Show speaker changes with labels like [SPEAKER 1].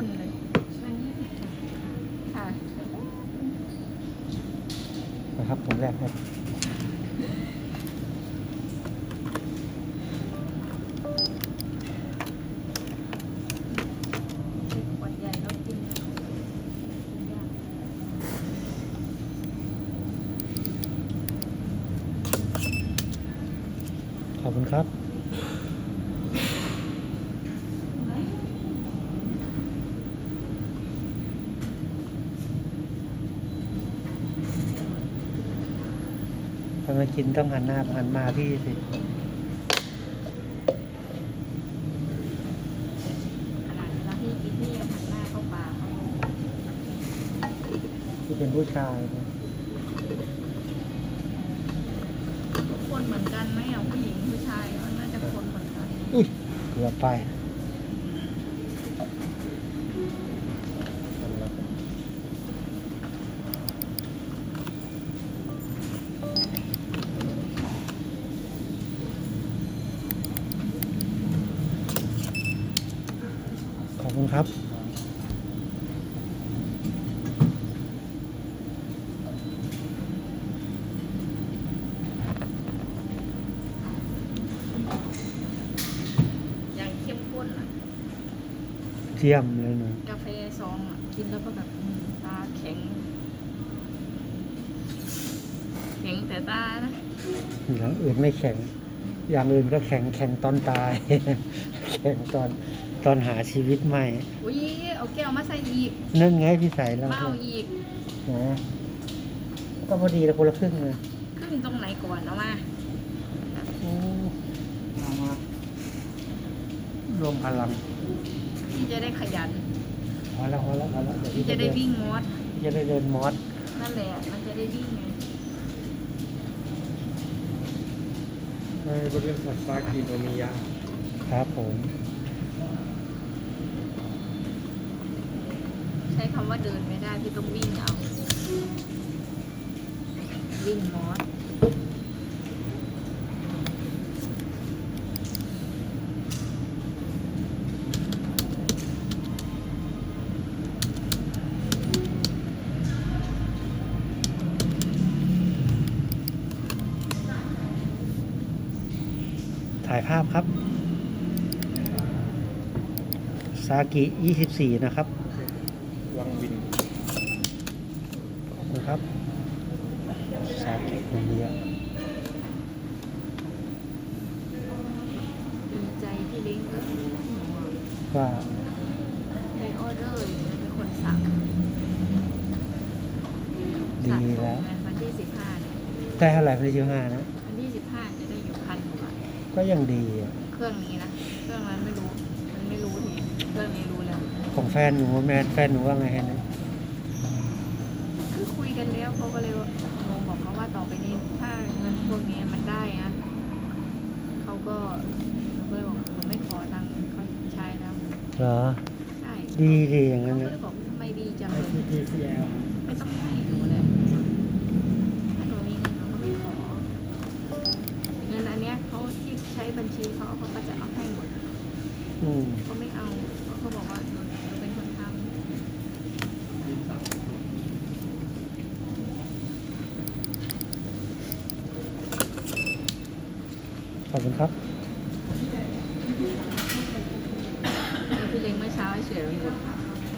[SPEAKER 1] ข้นเลยค่ะ
[SPEAKER 2] นะครับผมแรกให้
[SPEAKER 1] ขวดใหญ่แล้วกินยาก
[SPEAKER 2] ขอบคุณครับทำไมกินต้องหันหน้าหันมาพี่สิ
[SPEAKER 1] ขนาดเวลาที่กินที่ยังหันหน้าเข้าปากเขา
[SPEAKER 2] ที่เป็นผู้ชายนะ
[SPEAKER 1] คนเหมือนกันไหมอ่ะผู้หญิงผู้ชายมันน่าจะคนเหมือนกัน
[SPEAKER 2] อุ้ยเกือบไปขอบคุณครับ
[SPEAKER 1] อย่างเข้มข้นอ่ะ
[SPEAKER 2] เทียมเลยนะ
[SPEAKER 1] กาแฟซองอ่ะกินแล้วก็แบบตาแข็งแข็งแต่ตานะ
[SPEAKER 2] อย่างอื่นไม่แข็ง อย่างอื่นก็แข็งแข็งตอนตาย แข็งตอนหาชีวิตใหม่
[SPEAKER 1] อุ้ยเอาแก้วมาใส่อีก
[SPEAKER 2] นั่นไงพี่ใส่แล้ว
[SPEAKER 1] มาเอาอีก
[SPEAKER 2] นะก็พอดีแล้วคนละครึ่งเลย
[SPEAKER 1] ครึ่งตรงไหนก่อนเอามา
[SPEAKER 2] โอ้มารวมพลัง
[SPEAKER 1] พี่จะได้ขยัน
[SPEAKER 2] พอแล้วเดี๋ยว
[SPEAKER 1] พี่จะได้วิ่งมอส
[SPEAKER 2] จะได้เดินมอส
[SPEAKER 1] นั่นแหละมันจะได้วิ่งไง
[SPEAKER 3] บริเวณสัตว์ฟ้ากีโนมิยะ
[SPEAKER 2] ครับผม
[SPEAKER 1] ใช้คำว่าเดินไม่ได้พี่ต้องวิ่งเอาวิ่งมอส
[SPEAKER 2] ถ่ายภาพครับ ซากิ 24 นะครับ
[SPEAKER 3] วังวิน
[SPEAKER 2] ขอบคุณครับ ซากิคนเดียว
[SPEAKER 1] ดีใจที่เล้งก็
[SPEAKER 2] ว่า
[SPEAKER 1] ในออเดอร์เป็นคนสั่ง
[SPEAKER 2] ดีแล้ว
[SPEAKER 1] วันที่15เนี่ย
[SPEAKER 2] ได้เท่าไหร่พี่15นะ
[SPEAKER 1] วันที่15จะได้อยู่1,000 กว่าบาท
[SPEAKER 2] ก็ยังดีอ่ะ
[SPEAKER 1] เครื่องนี้นะเครื่องนั้นไม่รู้มันไม่รู้ทีเครื่องนี้รู้แล้ว
[SPEAKER 2] ของแฟนหนูแฟนหนูว่าไงฮะเนี่ย
[SPEAKER 1] คือคุยกันแล้วเขาก็เลยโมบอกเขาว่าต่อไปนี้ถ้าเงินพวกนี้มันได้นะเขาก็เลยบอกผมไม่ขอตังค์เขาใช้แล้ว
[SPEAKER 2] เหรอ
[SPEAKER 1] ใช่
[SPEAKER 2] ดีอย่างนั้น
[SPEAKER 1] เขาก็
[SPEAKER 2] นะ
[SPEAKER 1] เลยบอกทำไมดีจังเลย
[SPEAKER 3] IPTCL
[SPEAKER 1] ไม่ต้องให้หนูเลยถ้าหนูมีเงินเขาก็ไม่ขอเงินอันเนี้ยเขาที่ใช้บัญชีเขาก็จะเอาให้หมด
[SPEAKER 2] อืม
[SPEAKER 1] เขาไม่เอาเขาบอกว่าหนูเป็นคนทำ
[SPEAKER 2] ขอบคุณครับ
[SPEAKER 1] พี่เล้งเมื่อเช้าให้เฉยเลย